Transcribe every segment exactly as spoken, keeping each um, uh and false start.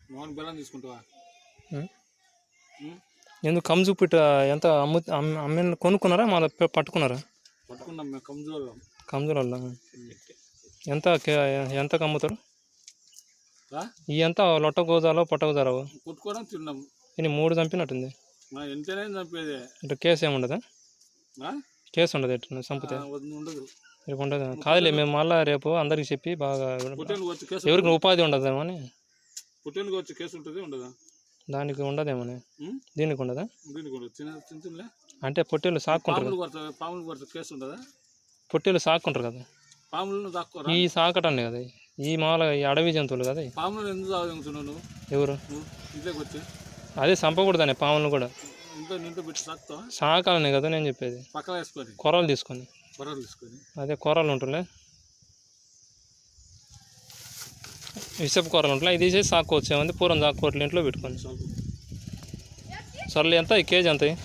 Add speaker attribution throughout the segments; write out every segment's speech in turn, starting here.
Speaker 1: మోహన్ బెల్లం తీసుకుంటావా?
Speaker 2: ఎందుకు కమ్ చూపిట్ట ఎంత అమ్ము అమ్మ కొనుక్కున్నారా మళ్ళీ పట్టుకున్నారా?
Speaker 1: పట్టుకున్నాం మేము కమ్జోర్
Speaker 2: కమ్జోర్ ఎంత ఎంత అమ్ముతారు? ఈ ఎంత లొట్ట గోజాలో పొట్ట గోజాలో
Speaker 1: కొట్టుకోవడం తిన్నాం.
Speaker 2: ఇది మూడు చంపినట్టుంది.
Speaker 1: ఎంతనే చంపేది.
Speaker 2: ఇట్లా కేసు ఏమి ఉండదా? కేసు ఉండదు ఎట్లా చంపితే?
Speaker 1: ఉండదు.
Speaker 2: రేపు ఉండదు కాదులే, మేము మళ్ళీ రేపు అందరికి చెప్పి బాగా ఎవరికి ఉపాధి ఉండదేమో అని.
Speaker 1: పుట్టేళ్ళకి వచ్చి కేసు ఉంటుంది ఉండదా?
Speaker 2: దానికి ఉండదేమోనే. దీనికి ఉండదా?
Speaker 1: దీనికి ఉండదు. చిన్న చిన్న
Speaker 2: అంటే పొట్టేళ్ళు సాక్కుంటారు.
Speaker 1: పాములు కొడితే కేసు ఉండదా?
Speaker 2: పొట్టేళ్ళు సాక్కుంటారు కదా.
Speaker 1: పాములను దాక్కోరా?
Speaker 2: ఈ సాకటాన్ని కదా, ఈ మామూలుగా ఈ అడవి జంతువులు కదా.
Speaker 1: పాములను ఎందుకు తాగుతున్నావు?
Speaker 2: ఎవరు?
Speaker 1: ఇంట్లోకి వచ్చి
Speaker 2: అదే చంపకూడదనే పాములను కూడా.
Speaker 1: ఇంట్లో ఇంట్లో పెట్టి సాకుతావా?
Speaker 2: సాకాలనే కదా నేను చెప్పేది.
Speaker 1: పక్కన వేసుకొని
Speaker 2: కూరలు తీసుకొని
Speaker 1: కూరలు తీసుకొని
Speaker 2: అదే కూరలు ఉంటుండే, విషపు కూరలు ఉంటాయి. ఇది తీసేసి సాక్కోవచ్చు. ఏమంది పూరం సాక్కోవట్లే ఇంట్లో పెట్టుకొని. సర్లే ఎంత ఈ కేజీ ఎంత?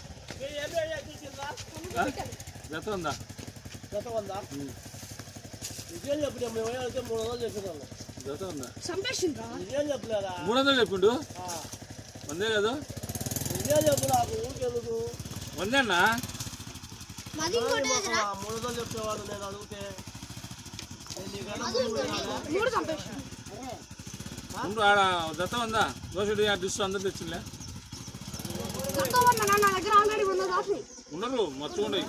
Speaker 1: జత ఉందా? జత ఉందా? మూడు వందలు చెప్పిండు. వందే కదా? వందేనా?
Speaker 3: చెప్పేవాడు నేను అడిగితే
Speaker 1: ఆడ జత ఉందా? దోశ డిష్ అందరు తెచ్చిందిలే. ఉండరు మొత్తం ఉండవు.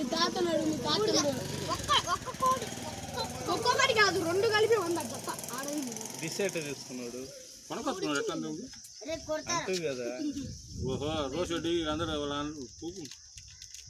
Speaker 2: తీసుకున్నాడు
Speaker 1: కొనుకొస్తున్నాడు. ఎట్లా కదా? ఓహో రోష్ రెడ్డి అందరూ